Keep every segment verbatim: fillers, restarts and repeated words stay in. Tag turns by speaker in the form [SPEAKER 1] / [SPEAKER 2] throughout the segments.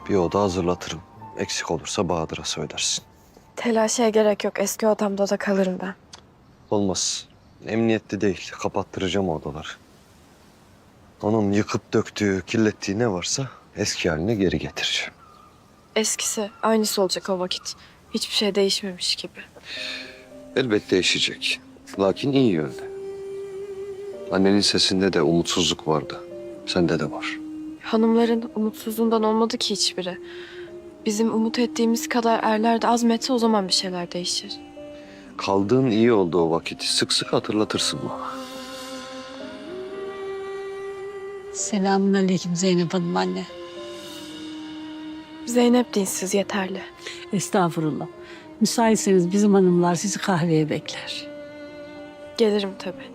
[SPEAKER 1] Bir oda hazırlatırım. Eksik olursa Bahadır'a söylersin.
[SPEAKER 2] Telaşa gerek yok. Eski odamda da kalırım ben.
[SPEAKER 1] Olmaz. Emniyetli değil. Kapattıracağım odaları. Onun yıkıp döktüğü, kirlettiği ne varsa eski haline geri getireceğim.
[SPEAKER 2] Eskisi, aynısı olacak o vakit. Hiçbir şey değişmemiş gibi.
[SPEAKER 1] Elbette değişecek. Lakin iyi yönde. Annenin sesinde de umutsuzluk vardı. Sende de var.
[SPEAKER 2] Hanımların umutsuzluğundan olmadı ki hiçbiri. Bizim umut ettiğimiz kadar erler de azmetse o zaman bir şeyler değişir.
[SPEAKER 1] Kaldığın iyi oldu o vakit. Sık sık hatırlatırsın bana.
[SPEAKER 3] Selamünaleyküm Zeynep Hanım anne.
[SPEAKER 2] Zeynep dinsiz yeterli.
[SPEAKER 3] Estağfurullah. Müsaitseniz bizim hanımlar sizi kahveye bekler.
[SPEAKER 2] Gelirim tabii.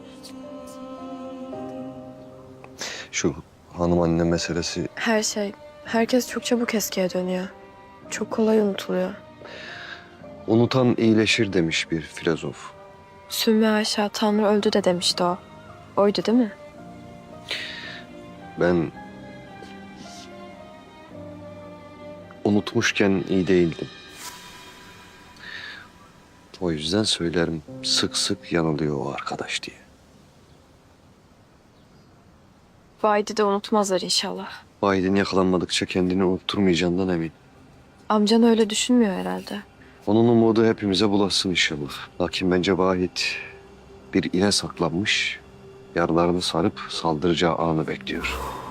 [SPEAKER 1] Şu hanım anne meselesi
[SPEAKER 2] Her şey, herkes çok çabuk eskiye dönüyor. Çok kolay unutuluyor.
[SPEAKER 1] unutan iyileşir demiş bir filozof.
[SPEAKER 2] Sümme Ayşe Tanrı öldü de demişti o. Oydu değil mi?
[SPEAKER 1] Ben unutmuşken iyi değildim. O yüzden söylerim sık sık yanılıyor o arkadaş diye.
[SPEAKER 2] Vahidi de unutmazlar inşallah.
[SPEAKER 1] Vahid'in yakalanmadıkça kendini unutturmayacağından emin.
[SPEAKER 2] Amcan öyle düşünmüyor herhalde.
[SPEAKER 1] Onun umudu hepimize bulaşsın inşallah. Lakin bence Vahit bir ile saklanmış, yaralarını sarıp saldıracağı anı bekliyor.